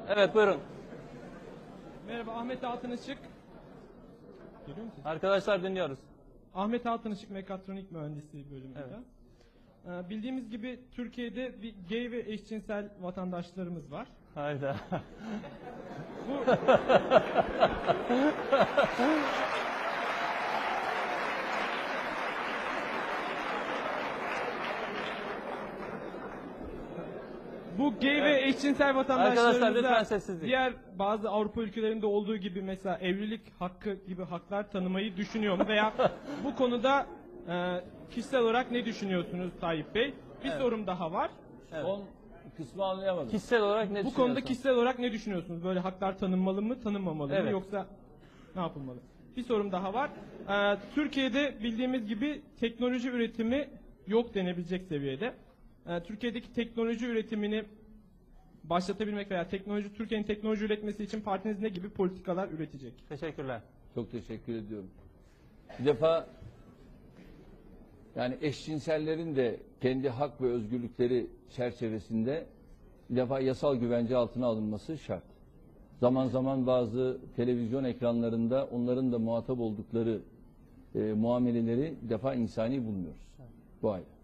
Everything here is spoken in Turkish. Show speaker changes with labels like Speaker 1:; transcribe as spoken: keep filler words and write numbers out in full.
Speaker 1: Evet, buyurun.
Speaker 2: Merhaba, Ahmet Altınışık. Geliyor musun?
Speaker 1: Arkadaşlar dinliyoruz.
Speaker 2: Ahmet Altınışık Mekatronik Mühendisliği bölümünde.
Speaker 1: Evet.
Speaker 2: Ee, bildiğimiz gibi Türkiye'de bir gay ve eşcinsel vatandaşlarımız var.
Speaker 1: Hayda.
Speaker 2: Bu Bu gay ve eşcinsel
Speaker 1: Arkadaşlar, lütfen
Speaker 2: vatandaşlarımıza
Speaker 1: sessizlik.
Speaker 2: diğer bazı Avrupa ülkelerinde olduğu gibi mesela evlilik hakkı gibi haklar tanımayı düşünüyor mu? Veya bu konuda e, kişisel olarak ne düşünüyorsunuz Tayyip Bey? Bir
Speaker 1: Evet.
Speaker 2: sorum daha var.
Speaker 1: Evet.
Speaker 3: Son kısmı anlayamadım.
Speaker 1: Kişisel olarak ne
Speaker 2: Bu
Speaker 1: düşünüyorsun?
Speaker 2: konuda kişisel olarak ne düşünüyorsunuz? Böyle haklar tanınmalı mı, tanınmamalı mı
Speaker 1: Evet.
Speaker 2: yoksa ne yapılmalı? Bir sorum daha var. Ee, Türkiye'de bildiğimiz gibi teknoloji üretimi yok denebilecek seviyede. Ee, Türkiye'deki teknoloji üretimini başlatabilmek veya teknoloji Türkiye'nin teknoloji üretmesi için partiniz ne gibi politikalar üretecek?
Speaker 1: Teşekkürler.
Speaker 3: Çok teşekkür ediyorum. Bir defa yani eşcinsellerin de kendi hak ve özgürlükleri çerçevesinde bir defa yasal güvence altına alınması şart. Zaman zaman bazı televizyon ekranlarında onların da muhatap oldukları e, muameleleri bir defa insani bulmuyoruz. Bu ayrı.